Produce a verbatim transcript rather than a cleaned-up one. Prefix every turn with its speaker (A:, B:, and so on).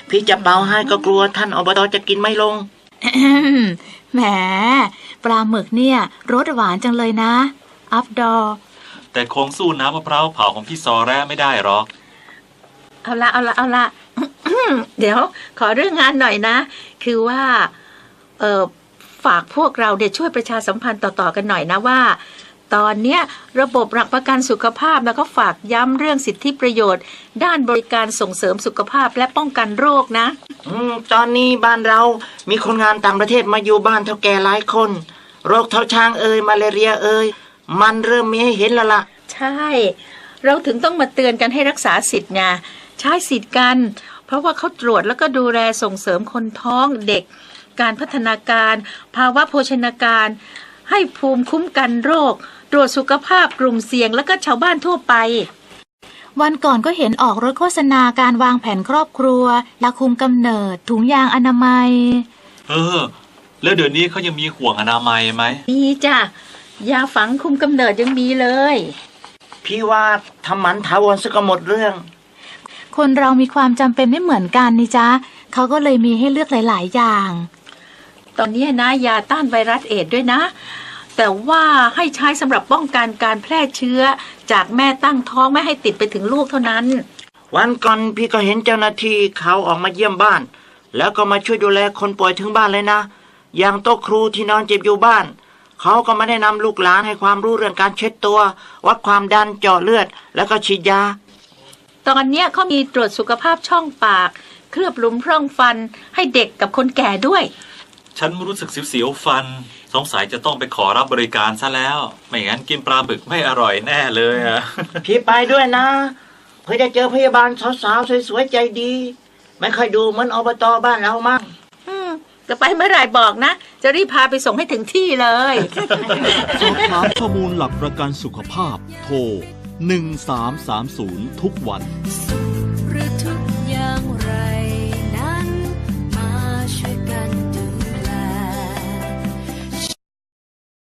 A: พี่จะเป่าให้ก็กลัวท่านอบตจะกินไม่ลง
B: แหมปลาหมึกเนี่ยรสหวานจังเลยนะอัพดอ
C: แต่คงสู้น้ำมะพร้าวเผาของพี่ซอแร่ไม่ได้หรอก
D: เอาละเอาละเอาละ เดี๋ยวขอเรื่องงานหน่อยนะคือว่าเออฝากพวกเราเดี๋ยวช่วยประชาสัมพันธ์ต่อๆกันหน่อยนะว่าตอนเนี้ยระบบหลักประกันสุขภาพแล้วก็ฝากย้ำเรื่องสิทธิประโยชน์ด้านบริการส่งเสริมสุขภาพและป้องกันโรคนะ
A: อืมตอนนี้บ้านเรามีคนงานต่างประเทศมาอยู่บ้านเท่าแก่หลายคนโรคเท้าช้างเอ่ยมาเลเรียเอ่ยมันเริ่มมีให้เห็นแล้วล่ะ
D: ใช่เราถึงต้องมาเตือนกันให้รักษาสิทธิ์ไงใช้สิทธิ์กันเพราะว่าเขาตรวจแล้วก็ดูแลส่งเสริมคนท้องเด็กการพัฒนาการภาวะโภชนาการให้ภูมิคุ้มกันโรคตรวจสุขภาพกลุ่มเสี่ยงแล้วก็ชาวบ้านทั่วไป
B: วันก่อนก็เห็นออกรถโฆษณาการวางแผนครอบครัวยาคุมกำเนิดถุงยางอนามัย
C: เออแล้วเดี๋ยวนี้เขายังมีห่วงอนามัยไหม
D: มีจ้ะยาฝังคุมกำเนิดยังมีเลย
A: พี่ว่าทำหมันถาวรซะก็หมดเรื่อง
B: คนเรามีความจำเป็นไม่เหมือนกันนี่จ๊ะเขาก็เลยมีให้เลือกหลายๆอย่าง
D: ตอนนี้นะยาต้านไวรัสเอดส์ด้วยนะแต่ว่าให้ใช้สำหรับป้องกันการแพร่เชื้อจากแม่ตั้งท้องไม่ให้ติดไปถึงลูกเท่านั้น
A: วันก่อนพี่ก็เห็นเจ้าหน้าที่เขาออกมาเยี่ยมบ้านแล้วก็มาช่วยดูแลคนป่วยถึงบ้านเลยนะอย่างโต๊ะครูที่นอนเจ็บอยู่บ้านเขาก็มาแนะนำลูกหลานให้ความรู้เรื่องการเช็ดตัววัดความดันเจาะเลือดแล้วก็ฉีดยา
D: ตอนนี้เขามีตรวจสุขภาพช่องปากเคลือบหลุมพร่องฟันให้เด็กกับคนแก่ด้วย
C: ฉันรู้สึกเสียวๆฟันสงสัยจะต้องไปขอรับบริการซะแล้วไม่งั้นกินปลาบึกไม่อร่อยแน่เลยอ่ะ
A: พี่ไปด้วยนะเพื่อจะเจอพยาบาลสาวๆสวยๆใจดีไม่ค่อยดูเหมือนอบตบ้านเรามั้ง
D: จะไปเมื่อไหร่บอกนะจะรีบพาไปส่งให้ถึงที่เลย
E: สอบถามข้อมูลหลักประกันสุขภาพโทรหนึ่งสามสามศูนย์ทุกวัน
F: หรือทุกอย่างไร